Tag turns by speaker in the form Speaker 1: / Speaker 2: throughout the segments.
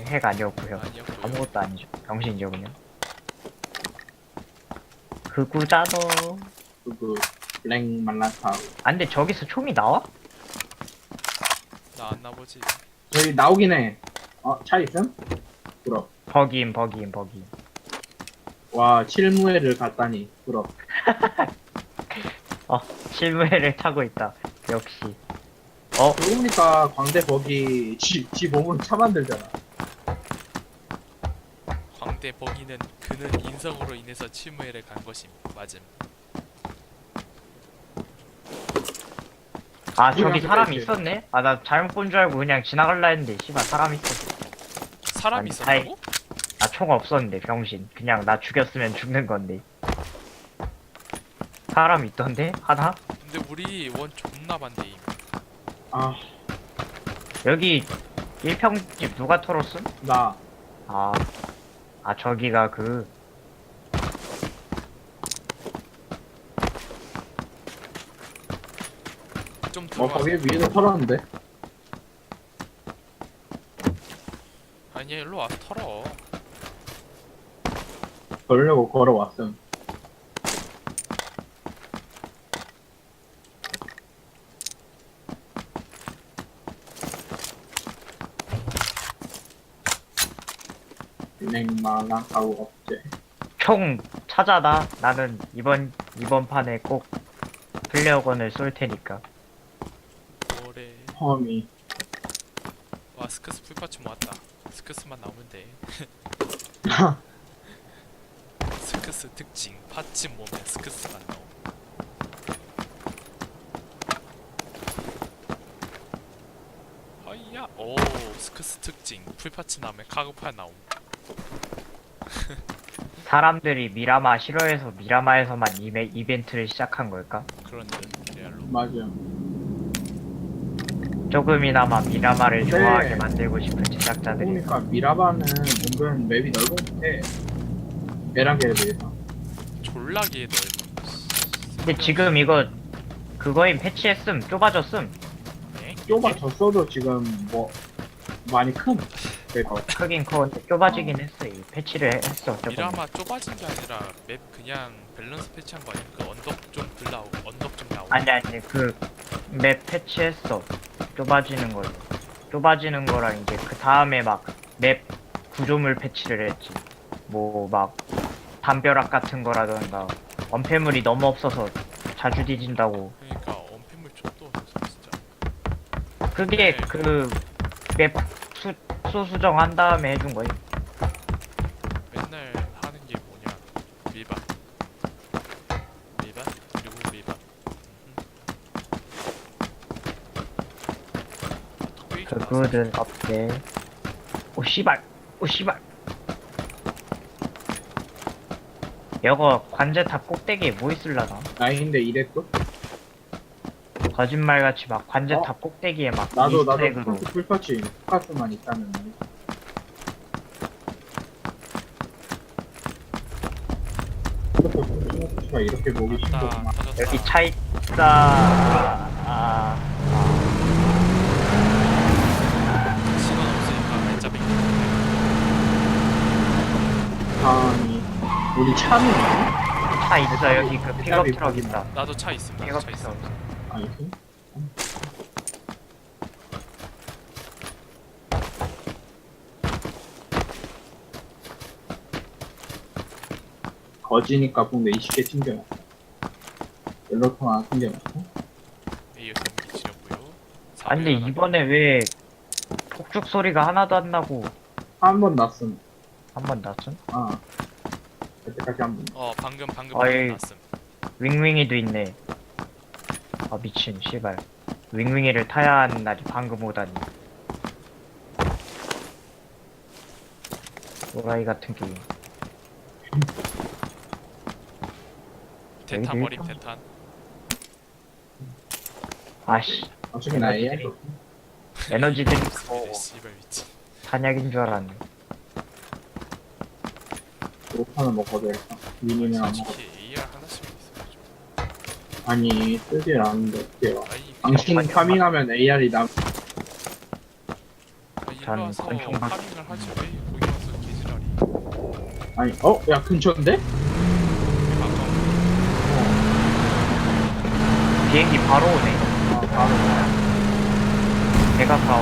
Speaker 1: 핵 아니었고요.
Speaker 2: 아니었고요.
Speaker 1: 아무것도 아니죠. 병신이죠 그냥. 그 구자도.
Speaker 3: 그 블랙 말라타.
Speaker 1: 아 근데 저기서 총이 나와?
Speaker 2: 나 안 나보지.
Speaker 3: 저기 나오긴 해. 차 있음? 부럽.
Speaker 1: 버기임.
Speaker 3: 와, 칠무회를 갔다니. 부럽.
Speaker 1: 실무회를 타고 있다. 역시.
Speaker 3: 그러니까 광대 버기 지 몸으로 차 만들잖아.
Speaker 2: 광대 버기는 그는 인성으로 인해서 치무회를 간 것임. 맞음.
Speaker 1: 아 저기
Speaker 3: 우리랑
Speaker 1: 사람
Speaker 3: 똑같지.
Speaker 1: 있었네? 아 나 잘못 본 줄 알고 그냥 지나갈라 했는데 씨발 사람 있었어.
Speaker 2: 사람이
Speaker 1: 아니,
Speaker 2: 있었다고?
Speaker 1: 나 총 없었는데 병신. 그냥 나 죽였으면 죽는 건데. 사람 있던데? 하나?
Speaker 2: 근데 우리 원 존나 반대임.
Speaker 3: 아,
Speaker 1: 여기 1평집 누가 털었음?
Speaker 3: 나.
Speaker 1: 아 저기가 그
Speaker 2: 좀
Speaker 3: 거기
Speaker 2: 들어와서.
Speaker 3: 위에서 털었는데.
Speaker 2: 아니야 일로 와서 털어.
Speaker 3: 그러려고 걸어왔음. 블랙 말라타고 없제.
Speaker 1: 총 찾아다. 나는 이번 판에 꼭 플레어건을 쏠 테니까.
Speaker 2: 뭐래.
Speaker 3: 험이.
Speaker 2: 와 스크스 풀파츠 모았다. 스크스만 나오면 돼. 스크스 특징 파츠 모으면 스크스만 나옴. 허이야. 오 스크스 특징 풀파츠 나오면 카고팔 나옴.
Speaker 1: 사람들이 미라마 싫어해서 미라마에서만 이벤트를 시작한 걸까?
Speaker 2: 그런 듯 레알로.
Speaker 3: 맞아.
Speaker 1: 조금이나마 미라마를
Speaker 3: 네.
Speaker 1: 좋아하게 만들고 싶은 제작자들이.
Speaker 3: 그러니까 미라바는 은근 맵이 넓은 것 같아. 베란게에 비해서.
Speaker 2: 졸라게 넓어.
Speaker 1: 근데 지금 이거 그거임 패치했음 좁아졌음.
Speaker 2: 네?
Speaker 3: 좁아졌어도 지금 뭐 많이 큰. 내가
Speaker 1: 크긴 커는데 좁아지긴 했어. 이 패치를 했어. 조금.
Speaker 2: 미라마 좁아진 게 아니라 맵 그냥 밸런스 패치한 거 아니야? 그 언덕 좀 나오고 언덕 좀 나오고.
Speaker 1: 아니 그 맵 패치했어. 좁아지는 걸로. 좁아지는 거랑 이제 그 다음에 막 맵 구조물 패치를 했지. 뭐 막 담벼락 같은 거라던가 원패물이 너무 없어서 자주 뒤진다고.
Speaker 2: 그러니까 언패물 족도 없어서 진짜.
Speaker 1: 그게 그 맵 수정한 다음에 해준 거지.
Speaker 2: 맨날 하는 게 뭐냐? 밀반. 밀반 그리고 밀반. 톡배기 좀 나왔어.
Speaker 1: 그거는 없대. 오 씨발. 오 씨발. 여거 관제탑 꼭대기에 뭐 있을라나?
Speaker 3: 나인데 이랬고.
Speaker 1: 거짓말같이 막 관제탑 꼭대기에 막
Speaker 3: 나도
Speaker 1: 이스트에그로.
Speaker 3: 풀파츠 카스만 있다면. 풀파츠가 이렇게 보기
Speaker 2: 맞다
Speaker 3: 힘들구만.
Speaker 2: 터졌다.
Speaker 1: 여기 차 있다.
Speaker 2: 시간 없으니까 알짜 뱅.
Speaker 3: 다음이 우리 차는
Speaker 1: 차 있어. 여기 그 픽업 트럭 있다.
Speaker 2: 나도 차 있음. 나도
Speaker 1: 픽업
Speaker 2: 차 있음.
Speaker 1: 트럭.
Speaker 3: 아니지? 거지니까 붕대 20개 챙겨놨어. 연료통 하나 챙겨놨어.
Speaker 2: 에이어 경기 지렸고요.
Speaker 1: 아 근데 이번에 왜 폭죽 소리가 하나도 안 나고
Speaker 3: 한 번 났음.
Speaker 1: 한 번 났음?
Speaker 3: 그때까지 한 번.
Speaker 2: 방금
Speaker 1: 어이.
Speaker 2: 났음.
Speaker 1: 윙윙이도 있네. 아 미친 씨발. 윙윙이를 타야 하는 날이 방금 오다니. 노라이 같은 게임.
Speaker 2: 대탄
Speaker 1: 여기도
Speaker 2: 머림
Speaker 1: 있다.
Speaker 2: 대탄.
Speaker 1: 아씨
Speaker 3: 어차피 나 AI.
Speaker 1: 에너지 드링크
Speaker 2: 무슨 씨발 미친.
Speaker 1: 탄약인 줄 알았네.
Speaker 3: 로파는 먹어도 될까? 미니는 안 먹어.
Speaker 2: 솔직히 AR 하나씩 있어야죠.
Speaker 3: 아니, 쓰질 않는데 어때요?
Speaker 2: 아니
Speaker 3: 당신
Speaker 1: 아니,
Speaker 3: 파밍하면 AR이 남.
Speaker 2: 아니
Speaker 1: 전
Speaker 2: 와서
Speaker 1: 권총만
Speaker 2: 파밍을 하지 왜 거기 와서 개지랄이.
Speaker 3: 아니 야 근처인데?
Speaker 2: 가까운.
Speaker 1: 비행기 바로 오네.
Speaker 3: 아 바로
Speaker 1: 배가 가워.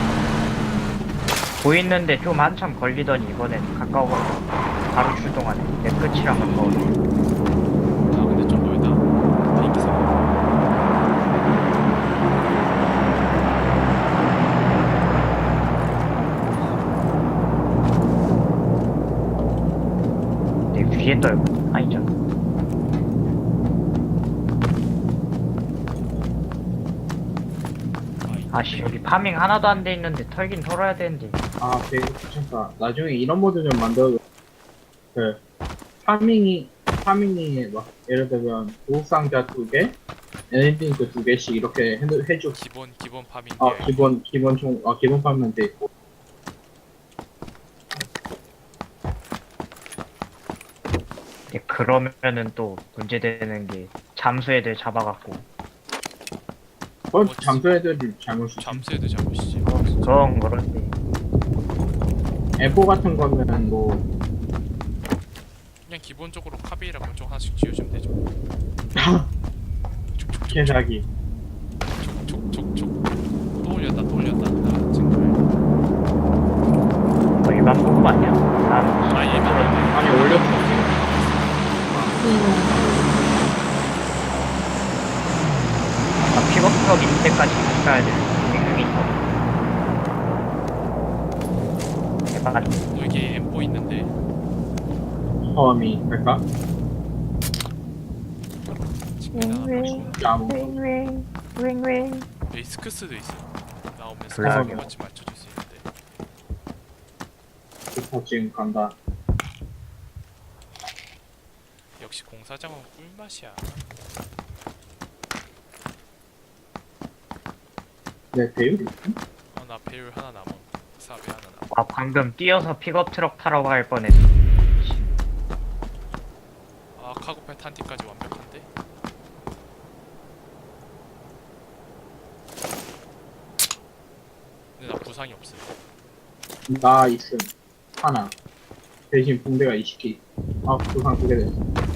Speaker 1: 보이는데 좀 한참 걸리더니 이번엔 가까워서 바로 출동하네. 내 끝이랑 가까워.
Speaker 2: 아 근데 좀 멀다. 비행기 사.
Speaker 1: 내 위에 떨고 아니죠. 아씨 여기 파밍 하나도 안 돼 있는데 털긴 털어야 되는데.
Speaker 3: 아 되게 귀찮다. 나중에 이런 모드 좀 만들어. 그 파밍이 막 예를 들면 보상자 2개, 엔딩크 2개씩 이렇게 해줘.
Speaker 2: 기본 파밍.
Speaker 3: 기본 파밍 돼 있고.
Speaker 1: 근데 그러면은 또 문제되는 게 잠수 애들 잡아갖고
Speaker 3: 잠수 애들이 잘못이지.
Speaker 2: 잠수해도 잘못이지.
Speaker 1: 그건 그런데
Speaker 3: 에포 같은 거는 뭐
Speaker 2: 그냥 기본적으로 카베이라 권총 하나씩 지어주면 되죠.
Speaker 3: 개사기.
Speaker 2: 촉촉촉촉. 또 올렸다. 나 지금.
Speaker 1: 뭐 일반 보급 아니야? 난
Speaker 2: 아 얘가
Speaker 3: 아니 올렸어.
Speaker 1: 픽업 트럭 있을 때까지 가야 돼. 빅빅이 대박.
Speaker 2: 여기 M4 있는데
Speaker 3: 처음이 할까?
Speaker 2: 지금 하나 버리고
Speaker 3: 야무.
Speaker 2: 여기 스크스도 있어. 나오면 스크스
Speaker 1: 블락이요.
Speaker 2: 같이 맞춰줄 수 있는데.
Speaker 3: 부터 지금 간다.
Speaker 2: 역시 공사장은 꿀맛이야.
Speaker 3: 내 배율이
Speaker 2: 나 배율 하나 남아. 사배 하나 남아.
Speaker 1: 아 방금 뛰어서 픽업 트럭 타러 갈 뻔했어.
Speaker 2: 아 카고팔 탄티까지 완벽한데? 근데 나 부상이 없어.
Speaker 3: 나 있음 하나. 대신 붕대가 20개. 아 부상 2개 됐어.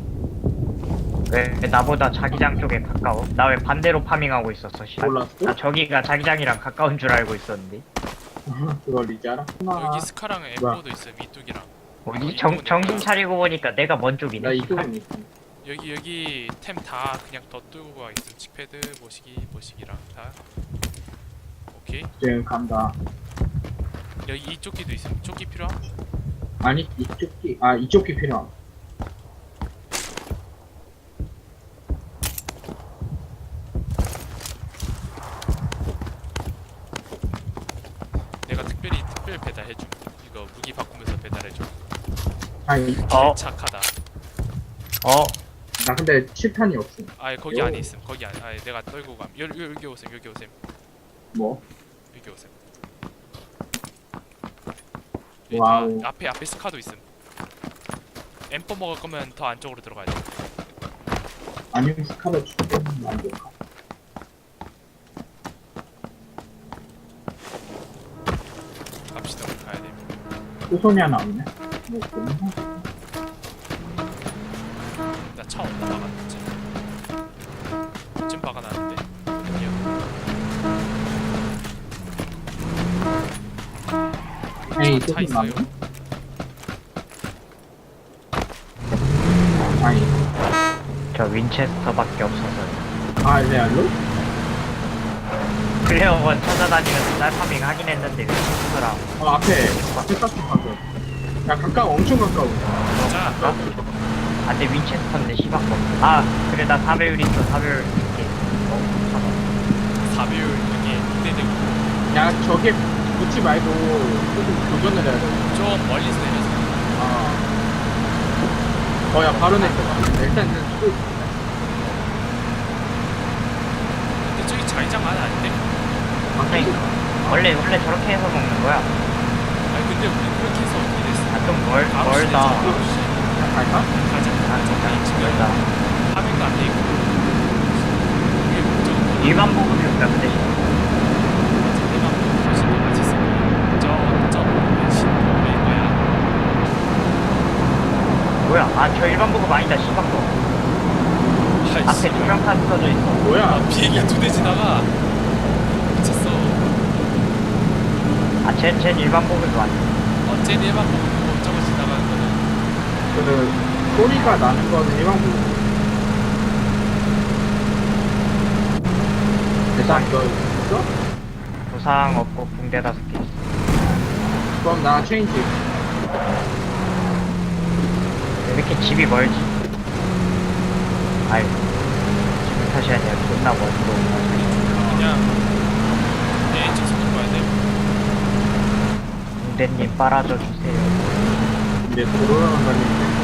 Speaker 1: 왜 나보다 자기장 쪽에 가까워? 나 왜 반대로 파밍하고 있었어? 씨.
Speaker 3: 몰랐어?
Speaker 1: 나 저기가 자기장이랑 가까운 줄 알고 있었는데.
Speaker 3: 그걸 이제 알아?
Speaker 2: 여기 스카랑 M4도 있어. 미뚝이랑.
Speaker 1: 뭐지? 정신 차리고 보니까 내가 먼 쪽이네.
Speaker 3: 나 이쪽은 있음.
Speaker 2: 여기 템 다 그냥 더 뚫고 가 있어. 칙패드 모시기랑 다. 오케이.
Speaker 3: 지금 간다.
Speaker 2: 여기 이쪽 기도 있어. 이쪽 기 필요함?
Speaker 3: 아니 이쪽 기 필요함.
Speaker 2: 내가 특별 배달해줌. 이거 무기 바꾸면서 배달해줘.
Speaker 3: 아니
Speaker 2: 착하다.
Speaker 3: 나 근데 칠탄이 없음.
Speaker 2: 아 거기 안에 있음. 거기 안에. 아 내가 떨고 감. 여기 오셈.
Speaker 3: 뭐?
Speaker 2: 여기 오셈.
Speaker 3: 와우.
Speaker 2: 앞에 스카도 있음. M4 먹을 거면 더 안쪽으로 들어가야 돼.
Speaker 3: 아니면 스카를 주면 안 될까?
Speaker 2: 갑시다. 우리 가야 돼.
Speaker 3: 후손이 하나 없네. 뭐 없나?
Speaker 2: 나 차 없나 박아놨지. 쯤 박아놨는데. 어디야?
Speaker 3: 에이
Speaker 2: 차
Speaker 3: 후손
Speaker 2: 있어요?
Speaker 3: 남네. 아니
Speaker 1: 저 윈체스터밖에 없어서.
Speaker 3: 레알로?
Speaker 1: 플레어원 찾아다니면서 짤파밍 하긴 했는데 윈체스터랑
Speaker 3: 앞에 땄어 방금. 야 가까워 엄청 가까워.
Speaker 2: 자,
Speaker 1: 안돼 윈체스터인데 시바꺼. 아 그래 나 4배율 있어. 4배율 있게.
Speaker 2: 사비율 이게 기대되고
Speaker 3: 야 저게 붙지 말고 조금 교전을 해야 돼.
Speaker 2: 좀 멀리서 내려서.
Speaker 3: 야 바로 내 거야. 일단
Speaker 2: 근데 저기 자기장 안에 아닌데?
Speaker 1: 그러니까 원래 저렇게 해서 먹는 거야.
Speaker 2: 아니 근데 우리 그렇게 해서 어떻게 됐어?
Speaker 1: 아 좀 멀다.
Speaker 3: 그냥 갈까?
Speaker 2: 가자. 지금
Speaker 1: 멀다.
Speaker 2: 파밍도 안 돼 있고. 이게 목적은
Speaker 1: 일반 보급이었다 근데.
Speaker 2: 내가 훨씬 더 맛있어.
Speaker 1: 아, 저 일반 보급 아니다, 씨박도.
Speaker 2: 아이씨.
Speaker 1: 앞에 조명탄 써져 있어.
Speaker 3: 뭐야?
Speaker 2: 비행기 2대 지나가. 미쳤어.
Speaker 1: 아, 쟨 일반 보급이 왔네.
Speaker 2: 어째 일반 보고 저거 지나가는 거는
Speaker 3: 그 소리가 나는 거는 일반 부분. 대상 이거 있어?
Speaker 1: 부상 없고 붕대 5개 있어.
Speaker 3: 그럼 나 체인지.
Speaker 1: 왜 이렇게 집이 멀지? 아이, 집을 탓이 아니라 존나 멀고.
Speaker 2: 그냥 내 엔진 속도 봐야 돼.
Speaker 1: 붕대님 빨아줘 주세요.
Speaker 3: 근데 도로랑 다니는데.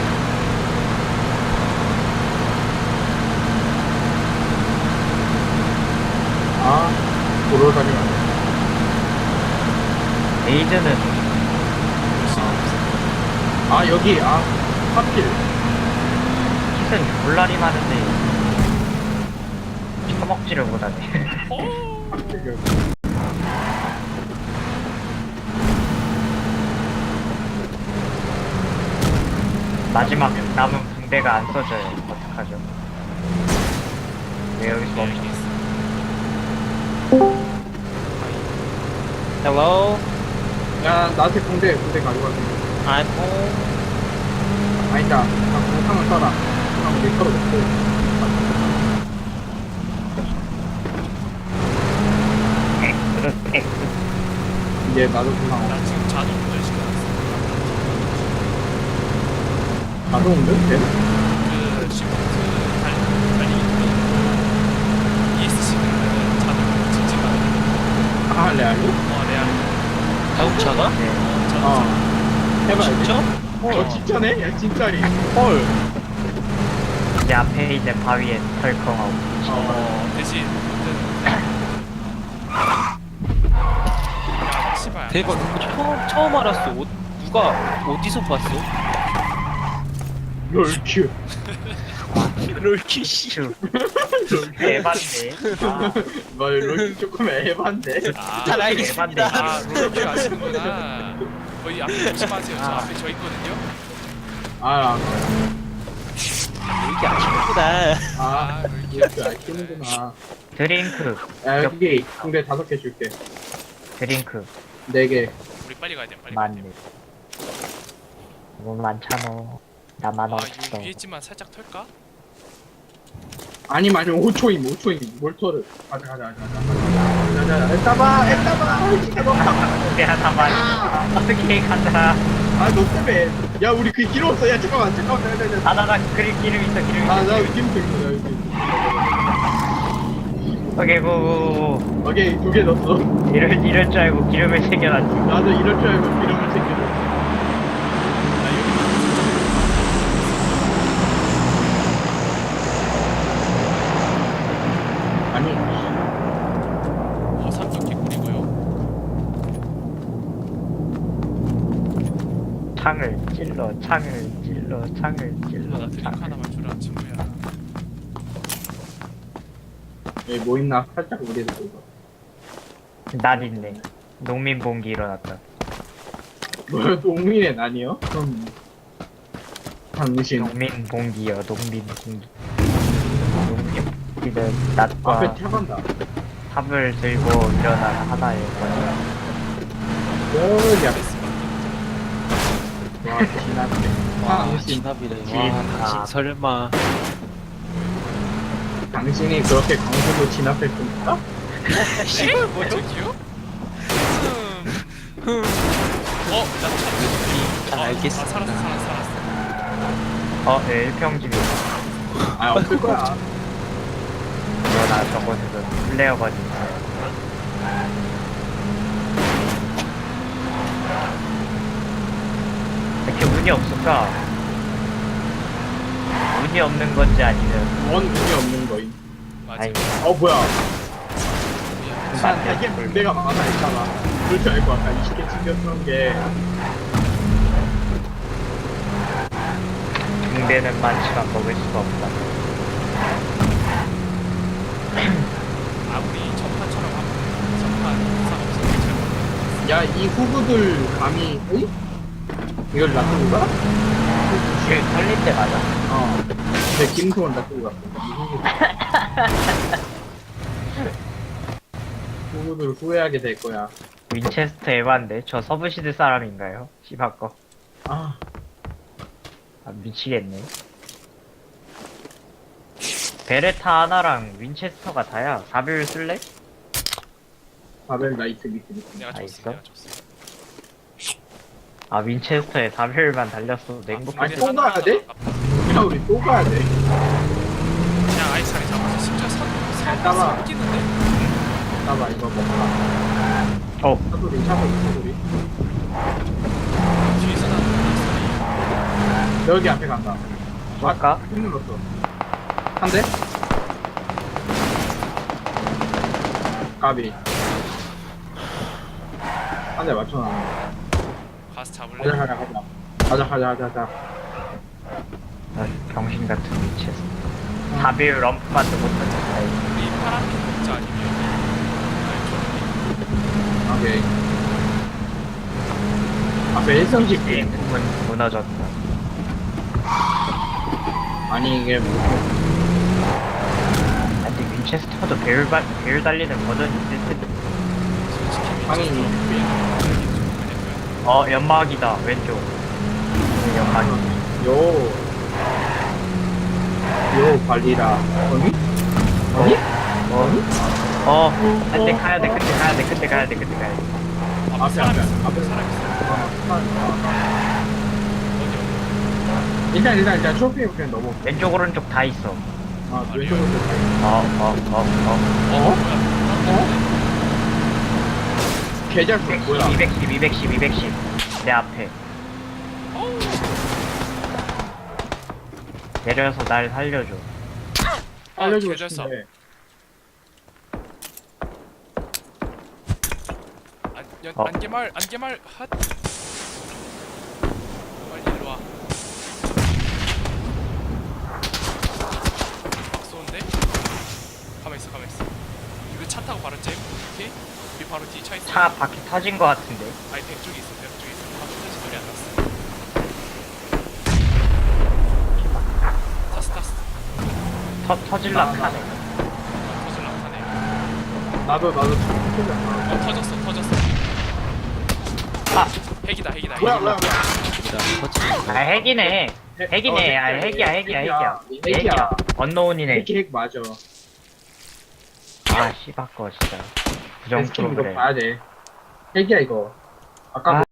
Speaker 3: 아, 도로 다니면 안 돼.
Speaker 1: 에이드는
Speaker 3: 아, 여기, 하필.
Speaker 1: 킷은 졸라리 많은데 처먹지를 못하네.
Speaker 3: 하필 여기.
Speaker 1: 마지막 남은 붕대가 안 써져요. 어떡하죠? 왜 여기서 멈춰?
Speaker 4: Hello,
Speaker 3: 야, 나한테 군대 가져가자.
Speaker 4: I'm home.
Speaker 3: 아니다. 공상을 써라. 공상을 내 거로 넣고. 이제 나도 공상 없어.
Speaker 2: 나 지금 자동 운전 시켜놨어.
Speaker 3: 자동 운전? 돼?
Speaker 2: 그 시프트 달리기 누르고 ESC 누르면 자동 직진 가거든.
Speaker 3: 아, 레알로?
Speaker 2: 레알.
Speaker 4: 자동차가?
Speaker 3: 어.
Speaker 2: 자동차.
Speaker 3: 해봐야지.
Speaker 4: 진짜?
Speaker 3: 진짜네? 야, 진짜리.
Speaker 4: 헐.
Speaker 1: 이제 앞에 있는 바위에 덜컹하고
Speaker 2: 대신 야, 씨발.
Speaker 4: 대박. 처음 알았어. 누가 어디서 봤어?
Speaker 3: 롤큐.
Speaker 4: 롤키 씨.
Speaker 1: 큐 대박이네.
Speaker 3: 롤큐 조금 애반데.
Speaker 4: 잘
Speaker 2: 아,
Speaker 4: 알겠습니다.
Speaker 2: 아, 롤큐 아시는구나. 거의 앞에 조심하세요. 저 앞에 저 있거든요.
Speaker 3: 아,
Speaker 4: 롤키 아시는구나.
Speaker 2: 롤큐.
Speaker 3: 롤큐 아시는구나.
Speaker 1: 드링크
Speaker 3: 야, 여기 군대 5개 줄게.
Speaker 1: 드링크
Speaker 3: 4개.
Speaker 2: 우리 빨리 가야 돼. 빨리 가야
Speaker 1: 많네.
Speaker 2: 돼.
Speaker 1: 너무 많잖아. 나만
Speaker 2: 아,
Speaker 1: 없어.
Speaker 2: 요 위에 집만 살짝 털까?
Speaker 3: 아니면 5초임. 몰터를. 가자. 에따봐. 이게 너무
Speaker 1: 붕대 하나만. 어떻게 간다.
Speaker 3: 아, 너 때문에. 야, 우리 그 기름 없어. 야, 잠깐만.
Speaker 1: 나 기름 있어.
Speaker 3: 나 기름 있어. 여기.
Speaker 1: 오케이 고고고.
Speaker 3: 오케이, 2개 넣었어.
Speaker 1: 이럴 줄 알고 기름을 챙겨놨지.
Speaker 3: 나도 이럴 줄 알고 기름을 챙겨.
Speaker 2: 나 여기만
Speaker 3: 아니,
Speaker 2: 산도 개꿀이고요.
Speaker 1: 창을 찔러.
Speaker 2: 나 드링크 하나만 주라 친구야.
Speaker 3: 여기 뭐 있나? 살짝 우리도 보자.
Speaker 1: 난 있네. 농민 봉기 일어났다.
Speaker 3: 뭐야, 동민의 난이요? 그럼 당신
Speaker 1: 농민 봉기요. 농민 봉기. 농민 봉기는 낮과
Speaker 3: 앞에 차간다.
Speaker 1: 탑을 들고 일어난 하나의 거지.
Speaker 3: 여기 앞에 와, 지나네. 당신,
Speaker 4: 진압이래.
Speaker 1: 진압.
Speaker 4: 와, 당신 설마.
Speaker 3: 당신이 그렇게 강수로 진압할 겁니까?
Speaker 2: 씨발 뭐 저기요? 나 참.
Speaker 4: 알겠습니다.
Speaker 2: 살았어.
Speaker 1: 네, 1평집이.
Speaker 3: 아, 없을 거야.
Speaker 1: 그러나 저곳에서 플레어건이 있어요. 왜 이렇게 운이 없을까? 운이 없는 건지 아니면
Speaker 3: 원 운이 없는 거임.
Speaker 2: 맞아.
Speaker 1: 아니
Speaker 3: 뭐야.
Speaker 1: 맞네.
Speaker 3: 이게 문제가 많아, 있잖아. 그럴 줄 알고 아까 20개 챙겼던 게.
Speaker 1: 붕대는 많지만 먹을 수가 없다.
Speaker 2: 아무리 첫판처럼 하면 첫판 이상 없으면 잘
Speaker 3: 야, 이 후구들 감히, 응? 이걸 놔두고 가?
Speaker 1: 그 털릴 때 맞아?
Speaker 3: 근데 김소원 다 쓰고 갔어. 후구들 후회하게 될 거야.
Speaker 1: 윈체스터 에반데 저 서브시드 사람인가요? 씨바꺼.
Speaker 3: 아,
Speaker 1: 아, 미치겠네. 베레타 하나랑 윈체스터가 다야. 4배율 쓸래?
Speaker 3: 바벨 나이트 밑에.
Speaker 2: 내가
Speaker 1: 아,
Speaker 2: 줬어.
Speaker 1: 있어?
Speaker 2: 내가 줬어.
Speaker 1: 아, 윈체스터에 4배율만 달렸어도 행복할
Speaker 3: 아니,
Speaker 1: 때.
Speaker 3: 또 가야 돼? 야, 우리 또 가야 돼.
Speaker 2: 그냥 아예 자리 잡아서 심지어
Speaker 3: 따라.
Speaker 2: 끼는데?
Speaker 3: 봐봐, 이거 먹자.
Speaker 1: 어,
Speaker 3: 차소리, 차소리.
Speaker 2: 뒤에서 나는 소리.
Speaker 3: 여기 앞에 간다.
Speaker 1: 쏠까?
Speaker 3: 힘 눌렀어. 한 대? 까비. 한 대 맞춰놨네.
Speaker 2: 가서 잡을래?
Speaker 3: 가자.
Speaker 1: 아, 병신 같은 윈체스터. 4배율 럼프만도 못하겠다.
Speaker 2: 우리 파란색 먹자 아니면 아니
Speaker 3: 오케이. 앞에 1성씩
Speaker 1: 게임 무너졌다.
Speaker 3: 아니, 이게 뭐.
Speaker 1: 아, 근데 윈체스터도 배율 달리는 버전이 있을 텐데.
Speaker 2: 솔직히
Speaker 3: 당연히.
Speaker 1: 연막이다, 왼쪽. 연막이.
Speaker 3: 요 발리라. 어니?
Speaker 1: 근데 가야 돼. 근데 가야 돼.
Speaker 2: 앞에 사람 있어.
Speaker 3: 앞에.
Speaker 2: 사람 있어. 어디
Speaker 3: 일단 쇼핑 그냥 넘어.
Speaker 1: 왼쪽, 오른쪽 다 있어.
Speaker 3: 왼쪽으로 다 있어.
Speaker 2: 뭐야?
Speaker 3: 계절 뭐야?
Speaker 1: 210. 내 앞에. 내려서 날 살려줘.
Speaker 3: 알려주고
Speaker 2: 계절 써.
Speaker 3: 싶은데.
Speaker 2: 안개말 핫. 빨리 일로 와. 막 쏘는데? 가만 있어. 이거 차 타고 바로 잼. 오케이? 우리 바로 뒤 차 있어.
Speaker 1: 차 바퀴 터진 거 같은데.
Speaker 2: 아니 벽 쪽에 있어. 바로 터진 소리 안 났어. 탔어.
Speaker 1: 터질라
Speaker 3: 나-
Speaker 1: 카네.
Speaker 2: 터질라 타네.
Speaker 3: 나도
Speaker 2: 터졌어.
Speaker 1: 아,
Speaker 2: 핵이다.
Speaker 3: 뭐야?
Speaker 1: 아 핵이네. 핵이야. 언노운이네.
Speaker 3: 핵 맞아.
Speaker 1: 아 씨바꺼 진짜. 부정
Speaker 3: 스킨 이거
Speaker 1: 프로그램.
Speaker 3: 봐야 돼. 핵이야 이거. 아까
Speaker 1: 아